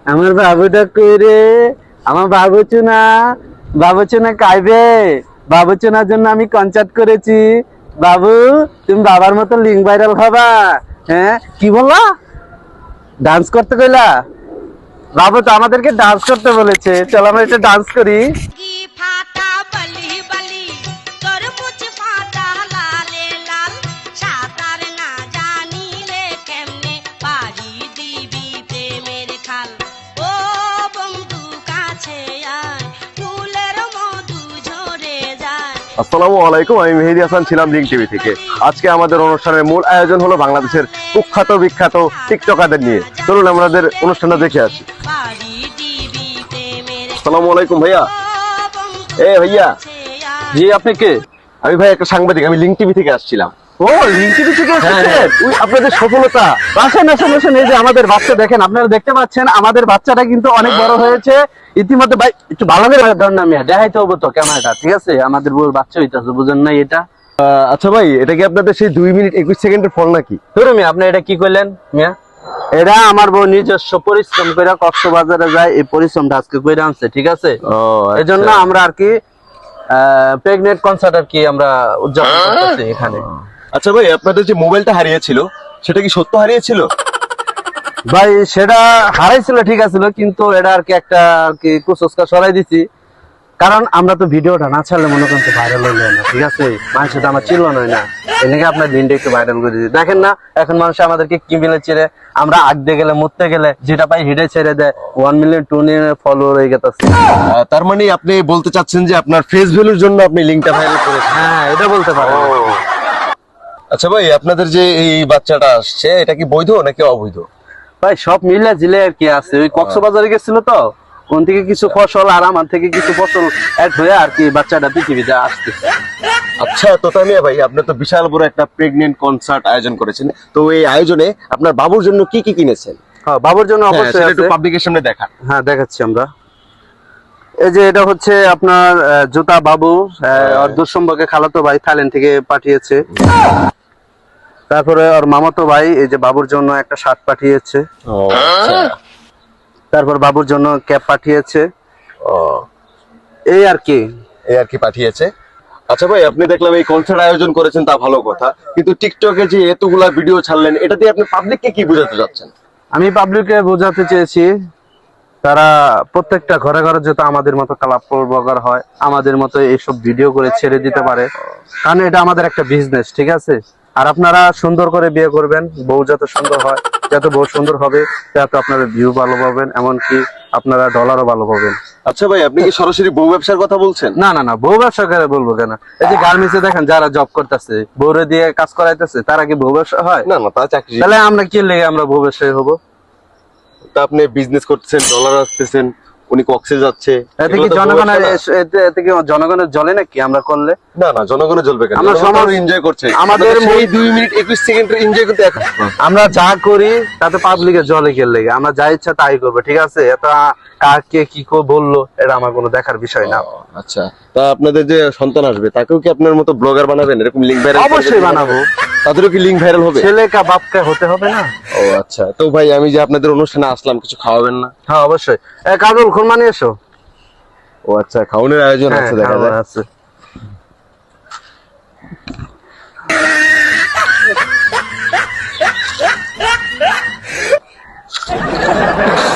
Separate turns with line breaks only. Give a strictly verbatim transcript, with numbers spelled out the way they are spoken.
আমার বাবুটা কই রে? আমার বাবু চুনা, বাবু চুনা কাইবে। বাবু চুনার জন্য আমি কনসার্ট করেছি। বাবু, তুমি বাবার মতো লিঙ্ক ভাইরাল হবা। হ্যাঁ, কি বললা? ডান্স করতে কইলা? বাবু তো আমাদেরকে ডান্স করতে বলেছে, চলো আমরা এটা ডান্স করি।
আসসালামু আলাইকুম, আমি মেহেদী হাসান ছিলাম লিঙ্ক টিভি থেকে। আজকে আমাদের অনুষ্ঠানের মূল আয়োজন হলো বাংলাদেশের কুখ্যাত বিখ্যাত টিকটকারদের নিয়ে। চলুন আমাদের অনুষ্ঠানটা দেখে আসি। আসসালামু আলাইকুম ভাইয়া। এ ভাইয়া।
জি, আপনি কে?
আমি ভাই একটা সাংবাদিক, আমি লিঙ্ক টিভি থেকে আসছিলাম।
ও, লিঙ্ক টিভি থেকে এসেছেন?
ওই আপনাদের সফলতা।
আসেন আসেন আসেন, এই যে আমাদের বাচ্চা দেখেন, আপনারা দেখতে পাচ্ছেন আমাদের বাচ্চাটা কিন্তু অনেক বড় হয়েছে ইতিমধ্যে। ভাই একটু ভালো করে ধর না, মিয়া দেখাইতে হবো তো ক্যামেরাটা, ঠিক আছে? আমাদের বউর বাচ্চা হইতেছে, বুঝেন না এটা?
আচ্ছা ভাই, এটা কি আপনাদের সেই দুই মিনিট একুশ সেকেন্ডের ফল নাকি?
ধরো মিয়া, আপনি এটা কি করলেন মিয়া? এটা আমার বউ নিজস্ব পরিশ্রম করে কক্সবাজারে যায়, এই পরিশ্রমটা আজকে করে আনছে, ঠিক আছে? এই জন্য আমরা আর কি প্রেগনেন্ট কনসার্ট আর কি আমরা উদযাপন করতেছি এখানে।
আচ্ছা ভাই, আপনাদের যে মোবাইলটা হারিয়েছিল সেটা কি সত্য হারিয়েছিল?
ভাই সেটা হারাইছিল, ঠিক আছে, কিন্তু এটা আর কি একটা আর কি কুসংস্কার সরাই দিছি। কারণ আমরা তো ভিডিওটা না ছাড়লে মনে করেন তো ভাইরাল হইলো না, ঠিক আছে? মানুষের তো আমার চিল্ল নয় না, এনেকে আপনার দিনটা একটু ভাইরাল করে দিচ্ছি। দেখেন না এখন মানুষ আমাদেরকে কি মিলে ছেড়ে, আমরা আগতে গেলে মরতে গেলে যেটা পাই হিডে ছেড়ে দেয়। One million two million follower হয়ে গেছে।
তার মানে আপনি বলতে চাচ্ছেন যে আপনার ফেস ভ্যালুর জন্য আপনি লিঙ্কটা ভাইরাল করেছেন?
হ্যাঁ, এটা বলতে পারেন।
আচ্ছা ভাই, আপনাদের যে এই বাচ্চাটা আসছে এটা কি বৈধ নাকি অবৈধ?
ভাই সব মিলে জিলে আর কি আছে, ওই কক্সবাজারে গেছিল তো, কোন থেকে কিছু ফসল আর আমার থেকে কিছু ফসল অ্যাড হয়ে আর কি বাচ্চাটা পৃথিবীতে আসতেছে।
আচ্ছা তো তামিয়া ভাই, আপনি তো বিশাল বড় একটা প্রেগনেন্ট কনসার্ট আয়োজন করেছেন, তো এই আয়োজনে আপনার বাবুর জন্য কি কি কিনেছেন?
হ্যাঁ, বাবুর জন্য অবশ্যই
একটু পাবলিকের সামনে দেখান।
হ্যাঁ, দেখাচ্ছি আমরা। এই যে এটা হচ্ছে আপনার জুতা বাবু, ওর দুঃসম্পর্কে খালাতো ভাই থাইল্যান্ড থেকে পাঠিয়েছে। তারপরে ওর মামাতো ভাই এই যে বাবুর জন্য একটা শার্ট পাঠিয়েছে। তারপর বাবুর জন্য ক্যাপ পাঠিয়েছে। এই আর কি
এই আর কি পাঠিয়েছে। আচ্ছা ভাই, আপনি দেখলাম এই কনসার্ট আয়োজন করেছেন, তা ভালো কথা, কিন্তু টিকটকে যে এতগুলা ভিডিও ছাড়লেন, এটা দিয়ে আপনি পাবলিককে কি বোঝাতে চাচ্ছেন?
আমি পাবলিককে বোঝাতে চেয়েছি তারা প্রত্যেকটা ঘরে ঘরে যেহেতু আমাদের মতো ক্লাব প্রোগ্রাম হয়, আমাদের মতো এইসব ভিডিও করে ছেড়ে দিতে পারে, কারণ এটা আমাদের একটা বিজনেস, ঠিক আছে? আর আপনারা সুন্দর করে বিয়ে করবেন, বউ যত সুন্দর হয়, যত বউ সুন্দর হবে তত আপনারা ভিউ ভালো পাবেন, এমনকি আপনারা ডলারও ভালো পাবেন।
আচ্ছা ভাই, আপনি কি সরাসরি বউ ব্যবসার কথা বলছেন?
না না না, বউ ব্যবসা করে বলবো কেন? এই যে গার্মেন্টসে দেখেন যারা জব করতেছে, বউরে দিয়ে কাজ করাইতেছে, তারা কি বউ ব্যবসা হয়?
না না, তা চাকরি।
তাহলে আমরা কি লেগে আমরা বউ ব্যবসায়ী হবো?
তা আপনি বিজনেস করতেছেন, ডলার আসতেছেন, উনি কক্সে যাচ্ছে,
এতে কি জনগণের এতে কি জনগণের জ্বলে নাকি আমরা করলে?
না না, জনগণের জ্বলবে কেন?
আমরা সমাজ
এনজয় করছে,
আমাদের
এই দুই মিনিট একুশ সেকেন্ডের এনজয় করতে এখন
আমরা যা করি তাতে পাবলিকের জলে গেলে লেগে আমরা যা ইচ্ছা তাই করবো, ঠিক আছে? এত কাকে কি কো বললো এটা আমার কোনো দেখার বিষয় না।
আচ্ছা, তা আপনাদের যে সন্তান আসবে তাকেও কি আপনার মতো ব্লগার বানাবেন? এরকম লিঙ্ক ভাইরাল?
অবশ্যই বানাবো।
তাদেরও কি লিঙ্ক ভাইরাল হবে?
ছেলে কা বাপকা হতে হবে না?
ও আচ্ছা, তো ভাই আমি যে আপনাদের অনুষ্ঠানে আসলাম, কিছু খাওয়াবেন না?
হ্যাঁ অবশ্যই। কাজল খুরমা নিয়ে এসো।
ও আচ্ছা, খাওয়ানোর আয়োজন আছে দেখা যায়।
আছে।